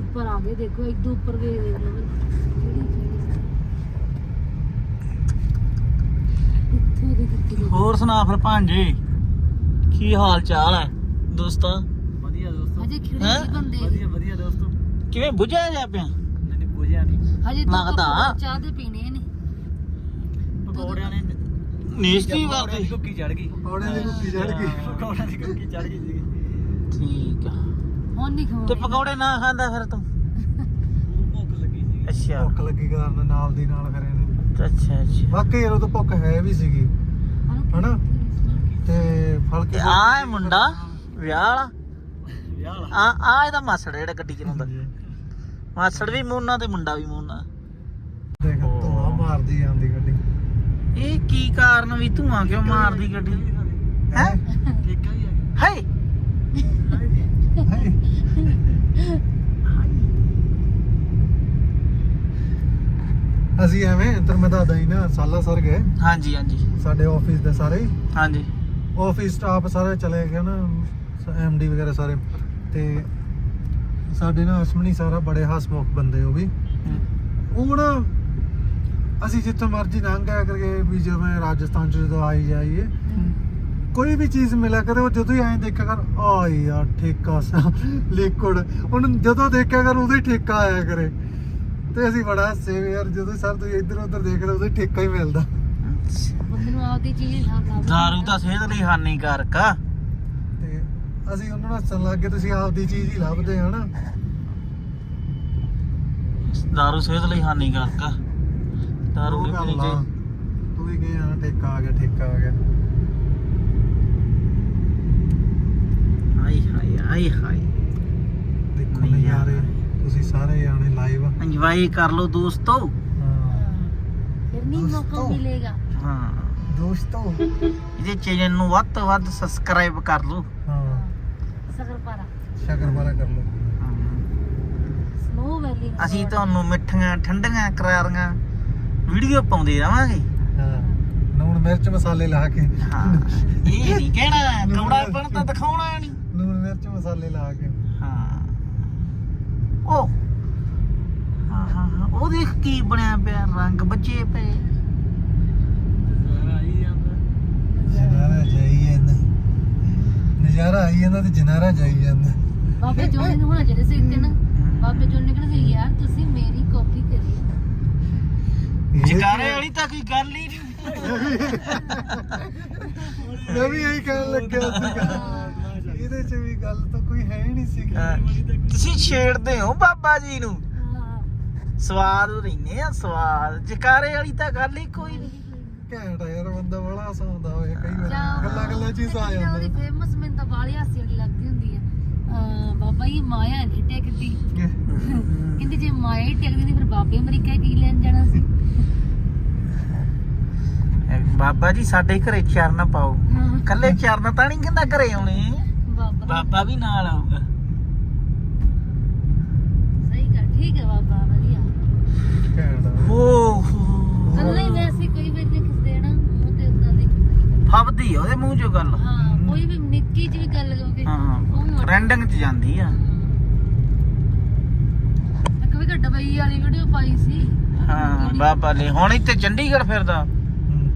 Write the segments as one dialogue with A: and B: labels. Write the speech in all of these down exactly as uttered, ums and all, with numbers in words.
A: ਉੱਪਰ ਆ ਗਏ ਦੇਖੋ ਇੱਦੋਂ ਉੱਪਰ ਵੇਖ ਦੇਖ ਲਓ ਕਿੱਥੇ ਦੇ ਕਿੱਥੇ
B: ਹੋਰ ਸੁਣਾ ਫਿਰ ਭਾਂਜੇ ਕੀ ਹਾਲ ਚਾਲ ਹੈ ਦੋਸਤਾਂ?
C: ਵਧੀਆ ਦੋਸਤੋ।
A: ਹਜੇ ਖਿੜੇ ਨਹੀਂ ਬੰਦੇ
C: ਵਧੀਆ ਵਧੀਆ ਦੋਸਤੋ।
B: ਕਿਵੇਂ ਬੁਝਿਆ ਜਾ ਪਿਆ?
C: ਨਹੀਂ ਨਹੀਂ ਬੁਝਿਆ ਨਹੀਂ।
A: ਹਜੇ ਤਾਂ
B: ਲੱਗਦਾ।
A: ਚਾਹ ਦੇ ਪੀਣੇ ਨੇ
C: ਪਕੌੜਿਆਂ ਨੇ
B: ਨੇਸਤੀ
C: ਪਕੌੜਿਆਂ
B: ਵਾਲੀ
C: ਦੀ ਕੁੱਕੀ ਚੜ ਗਈ।
D: ਪਕੌੜਿਆਂ ਦੀ ਕੁੱਕੀ ਚੜ ਗਈ।
C: ਪਕੌੜਿਆਂ ਦੀ ਕੁੱਕੀ ਚੜ ਗਈ ਸੀ।
B: ਠੀਕ ਆ।
A: ਹੁਣ ਨਹੀਂ ਖਾਣਾ
B: ਤੇ ਪਕੌੜੇ ਨਾ ਖਾਂਦਾ ਫਿਰ ਤੂੰ?
C: ਭੁੱਖ ਲੱਗੀ ਸੀ।
B: ਅੱਛਾ
D: ਭੁੱਖ ਲੱਗੀ ਕਾਰਨ ਨਾਲ ਦੀ ਨਾਲ ਫਿਰ ਇਹਨੇ
B: ਅੱਛਾ ਅੱਛਾ
D: ਵਾਕਈ ਯਾਰ ਉਹ ਤਾਂ ਭੁੱਖ ਹੈ ਵੀ ਸੀਗੀ ਹਨਾ ਤੇ ਫਲ
B: ਤੇ
D: ਕੇ
B: ਆ ਹੈ ਮੁੰਡਾ ਵਿਆਹ ਵਾਲਾ
C: ਵਿਆਹ ਵਾਲਾ।
B: ਆ ਆ ਇਹਦਾ ਮਾਸੜ ਜਿਹੜਾ ਗੱਡੀ ਚਲਾਉਂਦਾ ਮਾਸੜ ਵੀ ਮੋਨਾ ਤੇ ਮੁੰਡਾ ਵੀ ਮੋਨਾ
D: ਦੇਖ ਧੂਆ ਮਾਰਦੀ ਆਂਦੀ ਗੱਡੀ
B: ਇਹ ਕੀ ਕਾਰਨ ਵੀ ਧੂਆਂ ਕਿਉਂ ਮਾਰਦੀ ਗੱਡੀ ਹੈ
C: ਠੇਕਾ ਵੀ ਆ
B: ਹਾਏ
D: ਅਸੀਂ ਐਵੇਂ ਇੱਧਰ ਮੈਂ ਦੱਸਦਾ ਹੀ ਨਾ ਸਾਲਾ ਸਰ ਗਏ
B: ਹਾਂਜੀ ਹਾਂਜੀ
D: ਸਾਡੇ ਆਫਿਸ ਦੇ ਸਾਰੇ
B: ਹਾਂਜੀ
D: ਆਫਿਸ ਸਟਾਫ ਸਾਰੇ ਚਲੇ ਗਏ ਨਾ ਐਮਡੀ ਵਗੈਰਾ ਸਾਰੇ ਤੇ ਸਾਡੇ ਨਾ ਅਸਮਣੀ ਸਾਰਾ ਬੜੇ ਹਸਮੁਖ ਬੰਦੇ ਉਹ ਵੀ ਉਹ ਨਾ ਅਸੀਂ ਜਿੱਥੇ ਮਰਜ਼ੀ ਲੰਘ ਆਇਆ ਕਰਕੇ ਵੀ ਜਿਵੇਂ ਰਾਜਸਥਾਨ ਚ ਜਦੋਂ ਆਈ ਜਾਈਏ ਕੋਈ ਵੀ ਚੀਜ਼ ਮਿਲਿਆ ਕਰੇ ਉਹ ਜਦੋਂ ਹੀ ਐਂ ਦੇਖਿਆ ਕਰ ਆ ਯਾਰ ਠੇਕਾ ਲਿਕੁਇਡ ਉਹਨੂੰ ਜਦੋਂ ਦੇਖਿਆ ਕਰ ਉਹਦਾ ਹੀ ਠੇਕਾ ਆਇਆ ਕਰੇ ਤੇ ਅਸੀਂ ਬੜਾ ਹੱਸੇ ਵੀ ਯਾਰ ਜਦੋਂ ਸਰ ਤੁਸੀਂ ਇੱਧਰ ਉੱਧਰ ਦੇਖਦੇ ਉਹਦਾ ਹੀ ਠੇਕਾ ਹੀ ਮਿਲਦਾ
A: ਬੰਦੇ ਨੂੰ ਆਪਦੀ ਚੀਜ਼ ਖਾਣਾ
B: ਦਾਰੂ ਤਾਂ ਸਿਹਤ ਲਈ ਹਾਨੀਕਾਰਕ ਆ
D: ਤੇ ਅਸੀਂ ਉਹਨਾਂ ਨੂੰ ਹੱਸਣ ਲੱਗ ਗਏ ਤੁਸੀਂ ਆਪਦੀ ਚੀਜ਼ ਹੀ ਲੱਭਦੇ ਹਨਾ
B: ਦਾਰੂ ਸਿਹਤ ਲਈ ਹਾਨੀਕਾਰਕ ਆ ਦਾਰੂ ਨਹੀਂ ਪੀਣੀ ਚਾਹੀਦੀ
D: ਤੂੰ ਵੀ ਗਏ ਆ ਠੇਕਾ ਆ ਗਿਆ ਠੇਕਾ ਆ ਗਿਆ
B: ਹਾਏ ਹਾਏ ਹਾਏ ਹਾਏ
D: ਦੇਖੋ
B: ਨਹੀਂ
D: ਨਜ਼ਾਰੇ
B: ਯਾਰ।
D: ਤੁਸੀਂ ਸਾਰੇ ਆਣੇ ਲਾਈਵ
B: ਇੰਜੋਏ ਕਰ ਲਓ ਦੋਸਤੋ
D: ਹਾਂ
A: ਫਿਰ ਨਹੀਂ ਮੌਕਾ
D: ਦੋਸਤੋ।
A: ਮਿਲੇਗਾ
B: ਹਾਂ
D: ਦੋਸਤੋ
B: ਇਹਦੇ ਚੈਨਲ ਨੂੰ ਵੱਧ ਤੋਂ ਵੱਧ ਸਬਸਕ੍ਰਾਈਬ ਕਰ ਲਓ
D: ਹਾਂ
A: ਸਕਰਪਾਰਾ
D: ਸ਼ਕਰਪਾਰਾ ਕਰ ਲਓ
A: ਸਨੋ ਵੈਲੀ
B: ਅਸੀਂ ਤੁਹਾਨੂੰ ਮਿੱਠੀਆਂ ਠੰਡੀਆਂ ਕਰਾਰੀਆਂ ਵੀਡੀਓ ਪਾਉਂਦੇ ਰਵਾਂਗੇ
D: ਹਾਂ ਨੂਣ ਮਿਰਚ ਮਸਾਲੇ ਲਾ ਕੇ
B: ਹਾਂ ਇਹ ਨਹੀਂ ਕਹਿਣਾ ਕੌੜਾਪਣ ਤਾਂ ਦਿਖਾਉਣਾ ਨਹੀਂ
D: ਨੂਣ ਮਿਰਚ ਮਸਾਲੇ ਲਾ ਕੇ
B: ਹਾਂ ਉਹ ਹਾਂ ਹਾਂ ਹਾਂ ਉਹ ਦੇਖ ਕੀ ਬਣਿਆ ਪਿਆ ਰੰਗ ਬੱਚੇ ਪਏ
C: ਆਈ ਜਾਂਦਾ।
D: ਜਨਾਰਾ ਜਾਈ ਜਾਂਦਾ ਨਜ਼ਾਰਾ ਆਈ ਜਾਂਦਾ ਤੇ ਜਨਾਰਾ ਜਾਈ ਜਾਂਦਾ
A: ਬਾਬੇ ਜੋਨੇ ਨੂੰ ਹੋਣਾ ਜਿਹੜੇ ਸੀ ਨਾ ਬਾਬੇ ਜੋਨੇ ਕਹਿੰਦੇ ਸੀ ਯਾਰ ਤੁਸੀਂ ਮੇਰੀ ਕਾਪੀ ਕਰੀ
B: ਜਕਾਰੇ ਵਾਲੀ ਤਾਂ ਕੋਈ ਗੱਲ ਹੀ ਨਹੀਂ
D: ਮੈਂ ਵੀ ਇਹੀ ਕਹਿਣ ਲੱਗਿਆ ਸੀਗਾ ਇਹਦੇ ਚ ਵੀ ਗੱਲ ਤਾਂ ਕੋਈ ਹੈ ਹੀ ਨਹੀਂ ਸੀ
B: ਹਾਂ, ਤੁਸੀਂ ਛੇੜਦੇ ਹੋ ਬਾਬਾ ਜੀ ਨੂੰ
A: ਹਾਂ
B: ਸਵਾਦ ਰਹਿੰਦੇ ਆ ਸਵਾਦ ਜਕਾਰੇ ਵਾਲੀ ਤਾਂ ਗੱਲ ਹੀ ਕੋਈ ਨਹੀਂ
D: ਘੈਂਟ ਆ ਯਾਰ ਬੰਦਾ ਬੜਾ ਹਸਾਉਂਦਾ ਹੋਏ ਕਈ ਵਾਰ
A: ਜਾਂ-
D: ਗੱਲਾਂ ਗੱਲਾਂ ਚ ਹੀ ਹਸਾ
A: ਉਹਦੀ
D: ਜਾਂਦਾ
A: ਫੇਮਸ ਮੈਨੂੰ ਤਾਂ ਬਾਲੀ ਹਾਸੀ ਵਾਲੀ ਲੱਗਦੀ ਹੁੰਦੀ ਆ ਅਹ ਬਾਬਾ ਜੀ ਮਾਇਆ ਨਹੀਂ ਟਿਕਦੀ ਕਹਿੰਦੀ ਜੇ ਮਾਇਆ ਹੀ ਟਿਕਦੀ ਨਹੀਂ ਫਿਰ ਬਾਬੇ ਅਮਰੀਕਾ ਕੀ ਲੈਣ ਜਾਣਾ ਸੀ
B: ਬਾਬਾ ਜੀ ਸਾਡੇ ਘਰੇ ਚਰਨ ਪਾਓ
A: ਹਾਂ
B: ਕੱਲੇ ਚਰਨ ਤਾਂ ਨਹੀਂ ਕਹਿੰਦਾ ਘਰੇ ਆਉਣੇ
A: ਬਾਬਾ
B: ਬਾਬਾ ਵੀ ਨਾਲ ਆਊਗਾ
A: ਸਹੀ ਗੱਲ ਠੀਕ ਹੈ ਬਾਬਾ ਵਧੀਆ
D: ਘੈਂਟ ਆ
B: ਓ
A: ਕੱਲਾ ਹੀ ਵੈਸੇ ਕੋਈ ਵੀ ਨਹੀਂ ਕਿਸੇ ਦੇਣਾ ਮੂੰਹ ਤੇ ਉਦਾਂ ਦੇ
B: ਫੱਬਦੀ ਆ ਉਹਦੇ ਮੂੰਹ ਚੋਂ ਗੱਲ
A: ਹਾਂ ਕੋਈ ਵੀ ਨਿੱਕੀ ਜਿਹੀ ਵੀ ਗੱਲ ਹੋਵੇ
B: ਹਾਂ ਟ੍ਰੈਂਡਿੰਗ ਚ ਜਾਂਦੀ ਆ
A: ਇੱਕ ਵੀ ਡਬਈ ਵਾਲੀ ਵੀਡੀਓ ਪਾਈ ਸੀ
B: ਹਾਂ ਬਾਬਾ ਨੇ ਹੁਣ ਇੱਥੇ ਚੰਡੀਗੜ੍ਹ ਫਿਰਦਾ
D: ਹੂੰ।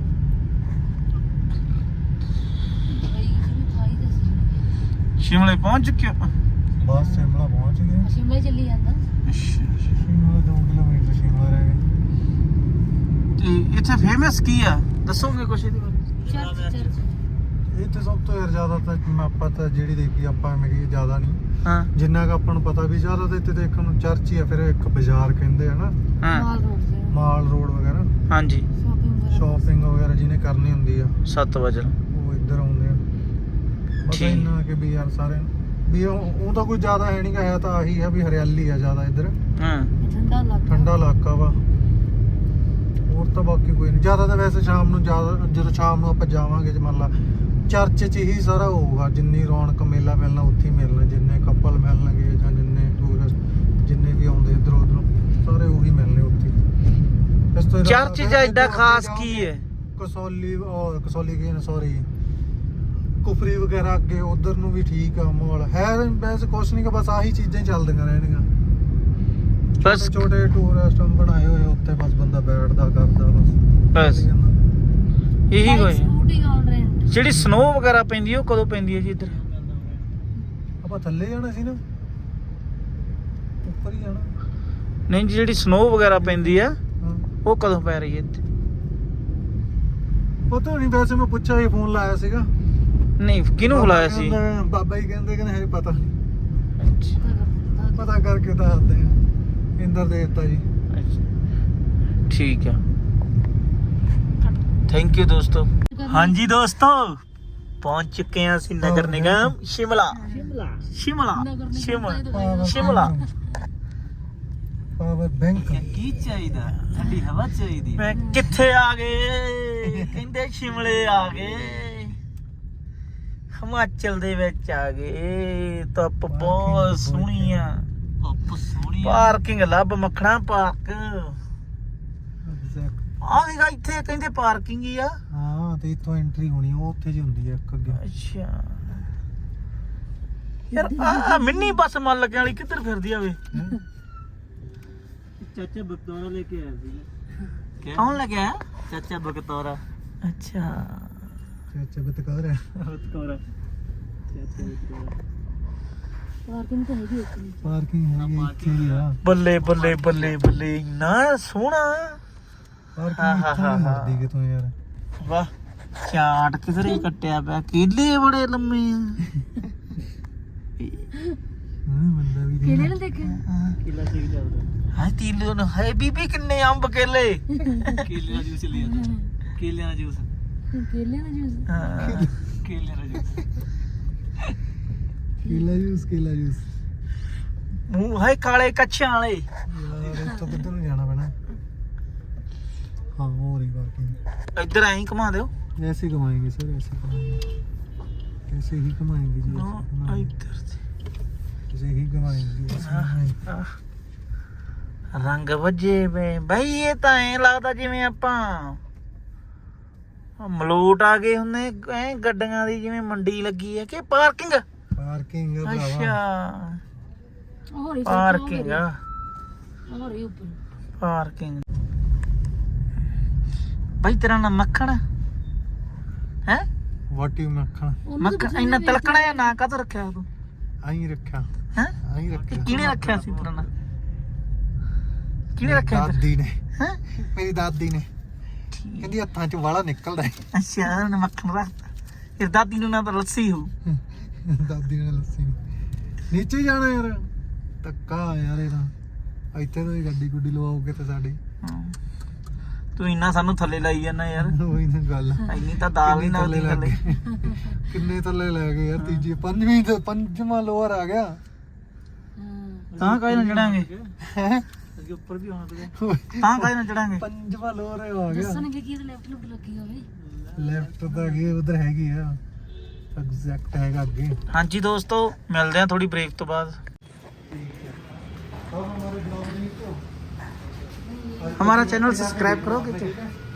A: ਡਬਈ ਚ ਵੀ ਪਾਈ ਦੱਸੀ
B: ਸ਼ਿਮਲੇ ਪਹੁੰਚ ਚੁੱਕਿਆ
D: ਬਸ ਸ਼ਿਮਲਾ ਪਹੁੰਚ ਗਏ
A: ਸ਼ਿਮਲੇ ਚੱਲੀ ਜਾਂਦਾ
D: ਸ਼ਿਮਲਾ ਦੋ ਕਿਲੋਮੀਟਰ ਸ਼ਿਮਲਾ ਰਹਿ ਗਏ
B: ਤੇ ਇੱਥੇ ਫੇਮਸ ਕੀ ਆ ਦੱਸੋਗੇ ਕੁਛ ਇਹਦੇ ਬਾਰੇ?
A: ਚਰਚ ਚਰਚ
D: ਇਹ ਤੇ ਸਭ ਤੋਂ ਯਾਰ ਜ਼ਿਆਦਾ ਤਾਂ ਆਪਾਂ ਤਾਂ ਜਿਹੜੀ ਦੇਖੀ ਆਪਾਂ ਐਵੇਂ ਕਿ ਜ਼ਿਆਦਾ ਨਹੀਂ
B: ਹਾਂ
D: ਜਿੰਨਾ ਕੁ ਆਪਾਂ ਨੂੰ ਪਤਾ ਵੀ ਜ਼ਿਆਦਾ ਤਾਂ ਇੱਥੇ ਦੇਖਣ ਨੂੰ ਚਰਚ ਹੀ ਆ ਫਿਰ ਇੱਕ ਬਾਜ਼ਾਰ ਕਹਿੰਦੇ ਆ ਨਾ
B: ਹਾਂ
A: ਮਾਲ ਰੋਡ ਤੇ
D: ਮਾਲ ਰੋਡ ਵਗੈਰਾ
B: ਹਾਂਜੀ
A: ਸ਼ਾਪਿੰਗ ਵਗੈਰਾ
D: ਸ਼ਾਪਿੰਗ ਵਗੈਰਾ ਜਿਹਨੇ ਕਰਨੀ ਹੁੰਦੀ ਆ
B: ਸੱਤ ਵਜੇ
D: ਉਹ ਇੱਧਰ ਆਉਂਦੇ ਆ ਬਸ
B: ਠੀਕ।
D: ਇੰਨਾ ਕਿ ਵੀ ਯਾਰ ਸਾਰੇ ਵੀ ਉਹ ਉਹ ਤਾਂ ਕੋਈ ਜ਼ਿਆਦਾ ਹੈ ਨਹੀਂਗਾ ਹੈ ਤਾਂ ਆਹੀ ਆ ਵੀ ਹਰਿਆਲੀ ਆ ਜ਼ਿਆਦਾ ਇੱਧਰ
B: ਹਾਂ
A: ਠੰਡਾ ਇਲਾਕਾ
D: ਠੰਡਾ ਇਲਾਕਾ ਵਾ ਹੋਰ ਤਾਂ ਬਾਕੀ ਕੋਈ ਨਹੀਂ ਜ਼ਿਆਦਾ ਤਾਂ ਵੈਸੇ ਸ਼ਾਮ ਨੂੰ ਜ਼ਿਆਦਾ ਜਦੋਂ ਸ਼ਾਮ ਨੂੰ ਆਪਾਂ ਜਾਵਾਂਗੇ ਜੇ ਮੰਨ ਲਾ ਚਰਚ 'ਚ ਹੀ ਸਾਰਾ ਹੋਊਗਾ ਜਿੰਨੀ ਰੌਣਕ ਮੇਲਾ ਮਿਲਣਾ ਉੱਥੇ ਹੀ ਮਿਲਣਾ ਜਿੰਨੇ ਕਪਲ ਮਿਲਣਗੇ ਜਾਂ ਜਿੰਨੇ ਟੂਰਿਸਟ ਜਿੰਨੇ ਵੀ ਆਉਂਦੇ ਇੱਧਰੋਂ ਉੱਧਰੋਂ ਸਾਰੇ ਉਹੀ ਮਿਲਣੇ ਉੱਥੇ ਇਸ ਤੋਂ ਇਲਾਵਾ
B: ਚਰਚ 'ਚ ਐਡਾ ਖਾਸ ਕੀ ਹੈ
D: ਕਸੌਲੀ ਉਹ ਕਸੌਲੀ ਕੀ ਸੌਰੀ ਕੁਫਰੀ ਵਗੈਰਾ ਅੱਗੇ ਉਧਰ ਨੂੰ ਵੀ ਠੀਕ ਆ ਮਾਹੌਲ ਹੈ ਵੈਸੇ ਕੁਛ ਨਹੀਂ ਕਿ ਬਸ ਆਹੀ ਚੀਜ਼ਾਂ ਹੀ ਚੱਲਦੀਆਂ ਰਹਿਣਗੀਆਂ
E: ਬਸ
D: ਛੋਟੇ ਟੂਰਿਸਟ ਬਣਾਏ ਹੋਏ ਉੱਥੇ ਬਸ ਬੰਦਾ ਬੈਠਦਾ ਕਰਦਾ ਬਸ
E: ਬਸ ਇਹੀ ਹੋਇਆ।
A: Scooty on rent.
E: ਜਿਹੜੀ ਸਨੋ ਵਗੈਰਾ ਪੈਂਦੀ ਹੈ ਉਹ ਕਦੋਂ ਪੈਂਦੀ ਹੈ ਜੀ ਇੱਧਰ?
D: ਆਪਾਂ ਥੱਲੇ ਜਾਣਾ ਸੀ ਨਾ, ਉੱਪਰ ਹੀ ਜਾਣਾ।
E: ਨਹੀਂ ਜਿਹੜੀ ਸਨੋ ਵਗੈਰਾ ਪੈਂਦੀ ਆ
D: ਹਾਂ
E: ਉਹ ਕਦੋਂ ਪੈ ਰਹੀ ਹੈ ਇੱਥੇ?
D: ਪਤਾ ਨਹੀਂ, ਵੈਸੇ ਮੈਂ ਪੁੱਛਿਆ ਹੀ, ਫੋਨ ਲਾਇਆ ਸੀਗਾ।
E: ਨਹੀਂ ਕਿਹਨੂੰ ਬੁਲਾਇਆ ਸੀ?
D: ਕਹਿੰਦਾ- ਬਾਬਾ ਜੀ ਕਹਿੰਦੇ ਕਿ ਹਜੇ ਪਤਾ ਨਹੀਂ,
E: ਅੱਛਾ
D: ਪਤਾ ਕਰਕੇ ਦੱਸਦੇ ਆ। ਇੰਦਰ ਦੇਵਤਾ ਜੀ।
E: ਅੱਛਾ ਠੀਕ ਆ। ਥੈਂਕ ਯੂ ਦੋਸਤੋ। ਹਾਂਜੀ ਦੋਸਤੋ ਪਹੁੰਚ ਚੁੱਕੇ ਹਾਂ ਅਸੀਂ ਨਗਰ ਨਿਗਮ ਸ਼ਿਮਲਾ
C: ਸ਼ਿਮਲਾ
E: ਸ਼ਿਮਲਾ
A: ਨਗਰ ਨਿਗਮ
E: ਸ਼ਿਮਲਾ
A: ਤਾਂ
E: ਸ਼ਿਮਲਾ।
D: Power bank.
C: ਕੀ ਚਾਹੀਦਾ? ਠੰਡੀ ਹਵਾ ਚਾਹੀਦੀ।
E: ਮੈਂ ਕਿੱਥੇ ਆ ਗਏ? ਕਹਿੰਦੇ ਸ਼ਿਮਲੇ ਆ ਗਏ, ਹਿਮਾਚਲ ਦੇ ਵਿੱਚ ਆ ਗਏ। ਧੁੱਪ ਬਹੁਤ ਸੋਹਣੀ ਆ।
C: ਧੁੱਪ ਸੋਹਣੀ ਆ।
E: ਪਾਰਕਿੰਗ ਲੱਭ ਮੱਖਣਾ ਪਾਰਕ
D: ਐਗਜ਼ੈਕਟ।
E: ਆ ਦੇਖਾ ਇੱਥੇ ਕਹਿੰਦੇ ਪਾਰਕਿੰਗ ਹੀ ਆ।
D: ਹਾਂ ਤੇ ਇੱਥੋਂ ਐਂਟਰੀ ਹੋਣੀ, ਉਹ ਉੱਥੇ ਜੀ ਹੁੰਦੀ ਹੈ ਇੱਕ ਅੱਗੇ।
E: ਅੱਛਾ ਯਾਰ ਆ ਮਿੰਨੀ ਬੱਸ ਮਨ ਲੱਗਣ ਵਾਲੀ ਕਿੱਧਰ ਫਿਰਦੀ ਆਵੇ?
C: ਚਾਚਾ ਬਕਤੌਰਾ ਲੈ ਕੇ ਆਇਆ ਸੀ।
E: ਕੌਣ ਲੱਗਿਆ?
C: ਚਾਚਾ ਬਕਤੌਰਾ।
E: ਅੱਛਾ
D: ਚਾਚਾ ਬਤਕਾਰ ਹੈ।
C: ਬਕਤੌਰਾ ਚਾਚਾ ਬਕਤੌਰਾ।
A: ਪਾਰਕਿੰਗ ਤਾਂ ਹੈਗੀ ਇੱਕ ਨਹੀਂ।
D: ਪਾਰਕਿੰਗ ਹੈਗੀ ਇੱਥੇ ਹੀ ਆ।
E: ਬੱਲੇ ਬੱਲੇ ਬੱਲੇ ਬੱਲੇ ਇੰਨਾ ਸੋਹਣਾ।
D: ਪਾਰਕਿੰਗ ਇੱਥੋਂ ਨਹੀਂ ਮੁੜਦੀ ਕਿਤੋਂ ਯਾਰ।
E: ਵਾਹ ਚਾਟ ਕਿਧਰੇ ਕੱਟਿਆ ਪਿਆ, ਕੇਲੇ ਬੜੇ ਲੰਮੇ ਆ।
D: ਹਾਂ ਬੰਦਾ ਵੀ
A: ਕਿਹਨੇ
D: ਦੇਖ।
A: ਨੇ ਦੇਖਿਆ?
C: ਕਿਲਾ ਸੀ ਚੱਲਦਾ।
E: ਹਾਏ ਤੀਲੂ ਨੂੰ ਹਾਏ ਬੀਬੀ ਕਿੰਨੇ ਅੰਬ ਕੇਲੇ।
C: ਕੇਲੇ ਦਾ ਜੂਸ ਲਿਆ। ਕੇਲਿਆਂ ਦਾ ਜੂਸ।
A: ਕੇਲੇ ਦਾ ਜੂਸ।
E: ਹਾਂ
C: ਕੇਲਿਆਂ ਦਾ ਜੂਸ।
D: ਕੇਲਾ ਜੂਸ, ਕੇਲਾ ਜੂਸ।
E: ਮੂੰਹ ਹਾਏ ਕਾਲੇ ਕੱਛਾਂ ਵਾਲੇ।
D: ਯਾਰ ਇੱਥੋਂ ਕਿੱਧਰ ਨੂੰ ਜਾਣਾ ਪੈਣਾ? हाँ हो रही पार्किंग।
E: ਇੱਧਰ ਐਂ ਹੀ ਘੁਮਾ ਦਿਓ।
D: ऐसे ही घुमाएंगे सर, ऐसे घुमाएंगे, ऐसे ही घुमाएंगे जी, ऐसे घुमाएंगे,
E: ਇੱਧਰ ਤੇ
D: ऐसे ही घुमाएंगे, ऐसे घुमाएंगे।
E: ਆਹ, ਰੰਗ ਵੱਜੇ ਵੇ ਬਈ। ਇਹ ਤਾਂ ਐਂ ਲੱਗਦਾ ਜਿਵੇਂ ਆਪਾਂ ਆਹ ਮਲੋਟ ਆ ਗਏ ਹੁੰਨੇ ਐ ਗੱਡੀਆਂ ਦੀ, ਜਿਵੇਂ ਮੰਡੀ ਲੱਗੀ ਹੈ ਕਿ ਪਾਰਕਿੰਗ।
D: पार्किंग है भरावा।
E: ਅੱਛਾ
A: ਹੋਰ ਹੀ
E: ਪਾਰਕਿੰਗ ਆ।
A: ਹੋਰ ਹੀ ਉੱਪਰ।
E: ਪਾਰਕਿੰਗ ਬਈ ਤੇਰਾ ਨਾਮ ਮੱਖਣ ਹੈ?
D: व्हाट यू मक्खन
E: ਮੱਖਣ ਇੰਨਾ ਤਿਲਕਣਾ ਜਾਂ ਨਾਂ ਕਾਹਤੋਂ ਰੱਖਿਆ ਤੂੰ?
D: आई रखा,
E: ਹੈ
D: आई रखा।
E: ਕਿਹਨੇ ਰੱਖਿਆ ਸੀ ਤੇਰਾ ਨਾਂ? ਕਿਹਨੇ ਰੱਖਿਆ ਤੇਰਾ?
D: दादी ने,
E: ਹੈ
D: मेरी दादी ने कहती हत्थां च वाला निकलदा है।
E: ਅੱਛਾ ਉਹਨੇ ਮੱਖਣ ਰੱਖਤਾ। ਫਿਰ ਦਾਦੀ ਨੂੰ ਨਾ ਤਾਂ ਲੱਸੀ ਹੋ।
D: दादी ने लस्सी ने नीचे ही जाना यार। ਧੱਕਾ ਯਾਰ ਇਹਦਾ। ਇੱਥੇ ਤੋਂ ਹੀ ਗੱਡੀ ਗੁੱਡੀ ਲਵਾਓਗੇ ਤੇ ਸਾਡੀ।
E: ਤੂੰ ਇੰਨਾ ਸਾਨੂੰ ਥੱਲੇ ਲਾਈ ਜਾਂਦਾ ਯਾਰ।
D: ਉਹੀ ਤਾਂ ਗੱਲ।
E: ਇੰਨੀ ਤਾਂ ਦਾਲ ਹੀ ਨਾਲ ਦੀ ਥੱਲੇ।
D: ਕਿੰਨੇ ਥੱਲੇ ਲੈ ਗਏ ਯਾਰ? ਤੀਜੀ ਪੰਜਵੀਂ ਤੇ ਪੰਜਵਾਂ ਲੋਅਰ ਆ ਗਿਆ।
A: ਹਾਂ
E: ਤਾਂ ਕਾਹਦੇ ਨਾਲ ਚੜਾਂਗੇ?
D: ਹੈ
C: ਅੱਗੇ ਉੱਪਰ ਵੀ ਆਉਣਾ ਤੇ।
E: ਤਾਂ ਕਾਹਦੇ ਨਾਲ ਚੜਾਂਗੇ?
D: ਪੰਜਵਾਂ ਲੋਅਰ ਆ ਗਿਆ।
A: ਦੱਸਣਗੇ ਕਿ ਇਹਦੇ ਲੈਫਟ ਲੁੱਟ ਲੱਗੀ ਹੋਵੇ।
D: ਲੈਫਟ ਤਾਂ ਅੱਗੇ ਉਧਰ ਹੈਗੀ ਆ, ਐਗਜ਼ੈਕਟ ਹੈਗਾ ਅੱਗੇ।
E: ਹਾਂਜੀ ਦੋਸਤੋ ਮਿਲਦੇ ਆ ਥੋੜੀ ਬ੍ਰੇਕ ਤੋਂ ਬਾਅਦ। हमारा चैनल सब्सक्राइब करोगे क्या?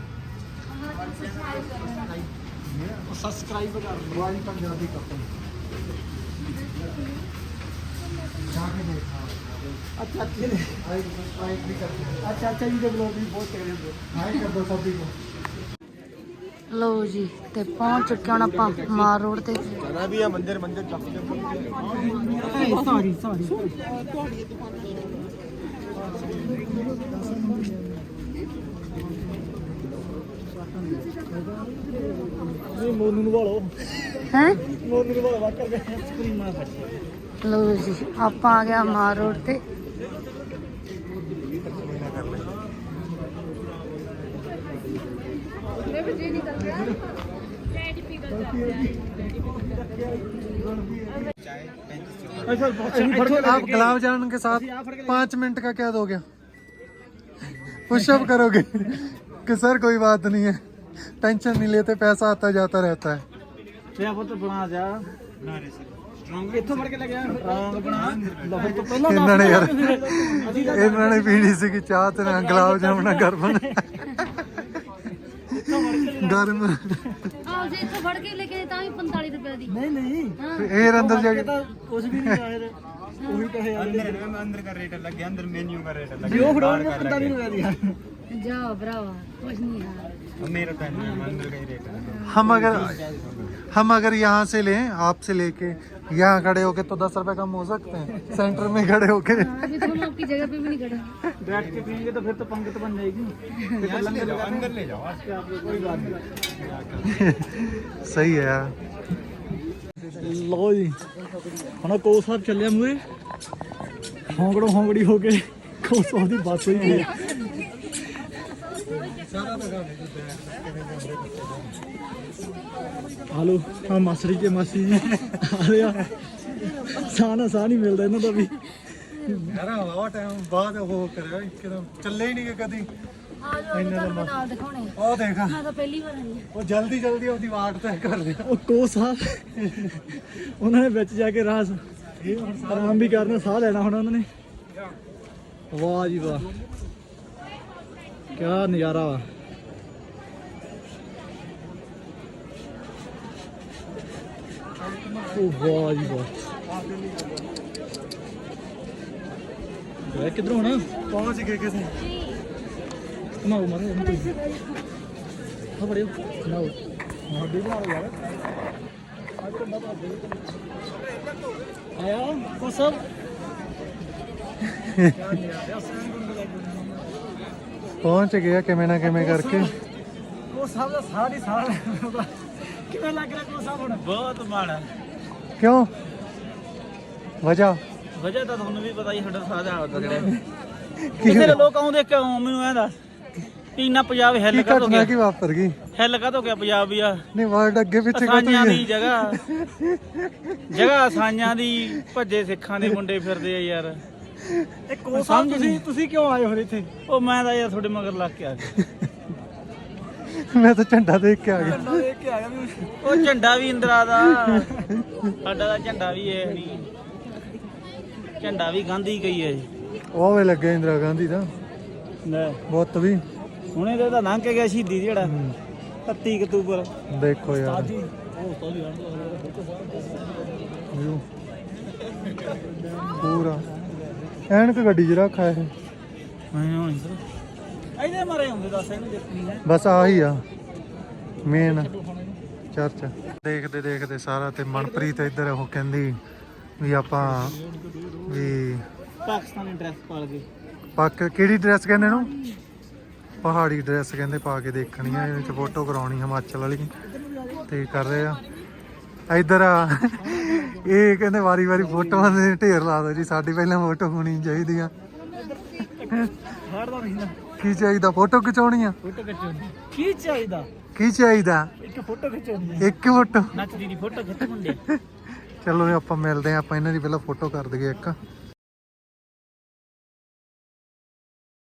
C: ਸਬਸਕ੍ਰਾਈਬ ਕਰ ਲਓ।
D: वाई पंजाबी कपल जाके देखा।
C: ਅੱਛਾ ਅੱਛਾ
D: आई सब्सक्राइब भी कर दो,
C: ਅੱਛਾ ਅੱਛਾ ਜੀ ਦੇ ਬਲੌਗ ਵੀ ਬਹੁਤ ਚੰਗੇ ਹੁੰਦੇ।
D: हाई कर दो सभी को।
A: ਲਓ ਜੀ ਤੇ ਪਹੁੰਚ ਚੁੱਕੇ ਹੁਣ ਆਪਾਂ ਮਾਰ ਰੋਡ ਤੇ।
C: ਜਾਣਾ ਵੀ ਆ ਮੰਦਿਰ ਮੰਦਿਰ ਚੱਕ ਕੇ। ਸੌਰੀ ਸੌਰੀ ਇਹ ਮੋਨੂ ਨੂੰ ਵਾਲੋ
A: ਹੈ
C: ਮੋਨੂ ਨੂੰ ਵਾਲੋ ਵਾਕਰ ਦੇ ਸਕਰੀਨ ਮਾਰ ਫੜ।
A: ਲਓ ਜੀ ਆਪਾਂ ਆ ਗਿਆ ਮਾਰ ਰੋਡ ਤੇ।
D: आप गुलाब जामुन के साथ पाँच मिनट का क्या दोगे? पुशअप करोगे कि सर कोई बात नहीं है, टेंशन नहीं लेते, पैसा आता जाता रहता है।
C: ਤੇ ਪੁੱਤ ਬਣਾ ਜਾ ਬਣਾ ਰਹੇ ਸਰ ਇੱਥੋਂ ਫੜ ਕੇ ਲੈ ਗਿਆ ਰੌਂਗ ਬਣਾ ਲਓ ਤੋਂ ਪਹਿਲਾਂ
D: ਇਹਨਾਂ ਨੇ ਯਾਰ ਇਹਨਾਂ ਨੇ ਪੀਣੀ ਸੀ ਕਿ ਚਾਹ ਤੇ ਨਾਲ ਗੁਲਾਬ ਜਾਮਣਾ ਗਰਮ ਗਰਮ
A: ਆ ਜੇ ਇੱਥੋਂ ਫੜ ਕੇ ਲੈ ਕੇ ਆਏ ਤਾਂ ਵੀ ਪੰਤਾਲੀ ਰੁਪਏ ਦੀ
C: नहीं नहीं
A: ਹਾਂ
D: ਫੇਰ ਅੰਦਰ ਜਾ ਕੇ
C: कुछ भी नहीं आए वही कहे
F: अंदर में अंदर का रेट अलग है अंदर मेन्यू का रेट अलग
C: जो
F: है
C: फड़ो
F: बाहर
C: में
F: का अलग
C: पैंतालीस
F: है।
C: रुपए दिया
A: ਜਾਓ ਭਰਾਵਾ ਕੁਛ ਨਹੀਂ ਹੈ
F: अब मेरा तो नहीं है, अंदर का ही रेट है।
D: हम अगर हम अगर यहाँ से लें आपसे लेके यहाँ खड़े होके तो दस रुपए कम हो सकते हैं सेंटर में खड़े होके
A: अभी तो हम आपकी जगह पे भी नहीं खड़ा
C: बैठ के पियेंगे तो फिर तो पंगत बन जाएगी
F: यहाँ से ले जाओ अंदर ले जाओ
C: कोई बात नहीं
D: सही है यार
C: ਲਓ ਜੀ ਹੁਣ ਕੋ ਸਾਹਿਬ ਚੱਲਿਆ ਮੂਰੇ ਹੌਂਗੜੋ ਹੌਂਗੜੀ ਹੋ ਕੇ ਕੋ ਸਾਹਿਬ ਦੀ ਬੱਸ ਹੋਈ ਹੈ ਹਲੋ ਆ ਮਾਸਰੀ ਕੇ ਮਾਸੀ ਜੀ ਆ ਰਿਹਾ ਸਾਹ ਨਾ ਸਾਹ ਨਹੀਂ ਮਿਲਦਾ ਇਹਨਾਂ ਦਾ ਵੀ
D: यार हवा टाइम बाद वो करे एकदम चले ही नहीं गए कदी
A: ਆ ਜਾਓ ਤੁਹਾਨੂੰ ਨਾਲ ਦਿਖਾਉਣੇ ਆ।
D: ओ देखा
A: ਮੈਂ ਤਾਂ ਪਹਿਲੀ ਵਾਰ ਆਈ
D: वो जल्दी जल्दी अपनी वाट तय कर लिया
C: ਉਹ ਕੋ ਸਾਹਿਬ ਉਹਨਾਂ ਨੇ ਵਿੱਚ ਜਾ ਕੇ ਰਾਸ ਆਰਾਮ ਵੀ ਕਰਨਾ ਸਾਹ ਲੈਣਾ ਹੁਣ ਉਹਨਾਂ ਨੇ ਵਾਹ ਜੀ ਵਾਹ ਕੀ ਨਜ਼ਾਰਾ ਵਾ ਉਹ ਵਾਹ ਜੀ ਵਾਹ ਇਹ ਕਿੱਧਰੋਂ ਹੋਣਾ
D: पहुंच गए किसे
C: ਕਮਾਓ ਮਾਰੋ ਉਹਨੂੰ ਤੁਸੀਂ ਆ ਬੜਿਓ ਕਮਾਓ ਮਾਡੀ ਬਣਾ ਯਾਰ ਅੱਜ ਤਾਂ ਬਾਬਾ ਦੇ ਆਇਆ ਕੋ ਸਭ
D: पहुंच गया किमें ना किमें करके
C: ਉਹ ਸਭ ਦਾ ਸਾਰੀ ਸਾਰਾ ਕਿਵੇਂ ਲੱਗ ਰਿਹਾ ਕੋ ਸਭ ਹੁਣ
F: बहुत माड़ा
D: क्यों वजह
C: ਵਜ੍ਹਾ ਤਾਂ ਤੁਹਾਨੂੰ ਵੀ ਪਤਾ ਹੀ ਸਾਡਾ ਸਾਦਾ ਹੁੰਦਾ ਜਿਹੜਾ ਕਿਸੇ ਲੋਕ ਆਉਂਦੇ ਕਿਉਂ ਮੈਨੂੰ ਐਂ ਦੱਸ ਵੀ ਇੰਨਾ ਪੰਜਾਬ ਹਿੱਲ
D: की
C: ਕਾ ਤੋਂ
D: घटना
C: ਗਿਆ
D: की वापर गई
C: ਹਿੱਲ ਕਾ ਤੋਂ ਗਿਆ ਪੰਜਾਬ ਵੀ ਆ
D: नहीं वर्ड अगे पीछे का
C: ਅਸਾਈਆਂ ਦੀ ਜਗ੍ਹਾ ਜਗ੍ਹਾ ਅਸਾਈਆਂ ਦੀ ਭੱਜੇ ਸਿੱਖਾਂ ਦੇ ਮੁੰਡੇ ਫਿਰਦੇ ਆ ਯਾਰ ਇਹ ਕੋ ਸਮਝ ਤੁਸੀਂ ਤੁਸੀਂ ਕਿਉਂ ਆਏ ਹੋ ਇੱਥੇ ਉਹ ਮੈਂ ਤਾਂ ਯਾਰ ਤੁਹਾਡੇ ਮਗਰ ਲੱਗ ਕੇ ਆ ਗਿਆ
D: मैं तो झंडा देख के आ गया
C: ਦੇਖ ਕੇ ਆਇਆ ਵੀ ਉਹ ਝੰਡਾ ਵੀ ਇੰਦਰਾ ਦਾ ਸਾਡਾ ਦਾ ਝੰਡਾ ਵੀ ਇਹ ਨਹੀਂ ਝੰਡਾ ਵੀ ਗਾਂਧੀ ਗਈ ਹੈ ਜੀ
D: ਉਹ ਵੇ ਲੱਗੇ ਇੰਦਰਾ ਗਾਂਧੀ ਦਾ
C: ਲੈ
D: ਬੁੱਤ ਵੀ
C: ਹੁਣੇ ਤੇ ਤਾਂ ਲੰਘ ਕੇ ਗਿਆ ਸ਼ਹੀਦੀ ਜਿਹੜਾ ਇਕੱਤੀ ਅਕਤੂਬਰ
D: ਦੇਖੋ ਯਾਰ
C: ਜੀ ਉਹ ਤਾਂ ਵੀ
D: व्यू ਪੂਰਾ ਐਨਕ ਗੱਡੀ 'ਚ ਰੱਖਾ ਇਹ
C: ਮੈਂ ਇਹਦੇ ਮਾਰੇ ਹੁੰਦੇ ਦੱਸ ਇਹਨੂੰ ਦੇਖਣੀ ਹੈ
D: ਬਸ ਆਹੀ ਆ ਮੇਨ ਚਰਚ ਦੇਖਦੇ ਦੇਖਦੇ ਸਾਰਾ ਤੇ ਮਨਪ੍ਰੀਤ ਇੱਧਰ ਉਹ ਕਹਿੰਦੀ ਵੀ ਆਪਾਂ ਵੀ
C: ਪਾਕਿਸਤਾਨੀ ਡਰੈਸ ਪਾ ਕੇ
D: ਪੱਕ ਕਿਹੜੀ ਡਰੈਸ ਕਹਿੰਦੇ ਨੂੰ ਪਹਾੜੀ ਡਰੈਸ ਕਹਿੰਦੇ ਪਾ ਕੇ ਦੇਖਣੀ ਆ ਇਹਦੇ ਚ ਫੋਟੋ ਕਰਾਉਣੀ ਹਿਮਾਚਲ ਵਾਲੀ ਤੇ ਕਰ ਰਹੇ ਆ ਇੱਧਰ ਆ ਇਹ ਕਹਿੰਦੇ ਵਾਰੀ ਵਾਰੀ ਫੋਟੋਆਂ ਦੇ ਢੇਰ ਲਾ ਦੋ ਜੀ ਸਾਡੀ ਪਹਿਲਾਂ ਫੋਟੋ ਹੋਣੀ ਚਾਹੀਦੀ ਆ
C: ਹੜਦਾ ਨਹੀਂ ਨਾ
D: ਕੀ ਚਾਹੀਦਾ ਫੋਟੋ ਖਿਚਾਉਣੀ ਆ
C: ਫੋਟੋ ਖਿਚਾਉਣੀ ਕੀ ਚਾਹੀਦਾ
D: ਕੀ ਚਾਹੀਦਾ
C: ਇੱਕ ਫੋਟੋ ਖਿਚਾਉਣੀ
D: ਇੱਕ ਫੋਟੋ
C: ਨੱਚਦੀ ਦੀ ਫੋਟੋ ਖਿੱਚ ਮੁੰਡੇ
D: ਚਲੋ ਆਪਾਂ ਮਿਲਦੇ ਆ ਆਪਾਂ ਇਹਨਾਂ ਦੀ ਪਹਿਲਾਂ ਫੋਟੋ ਕਰ ਦਈਏ ਇੱਕ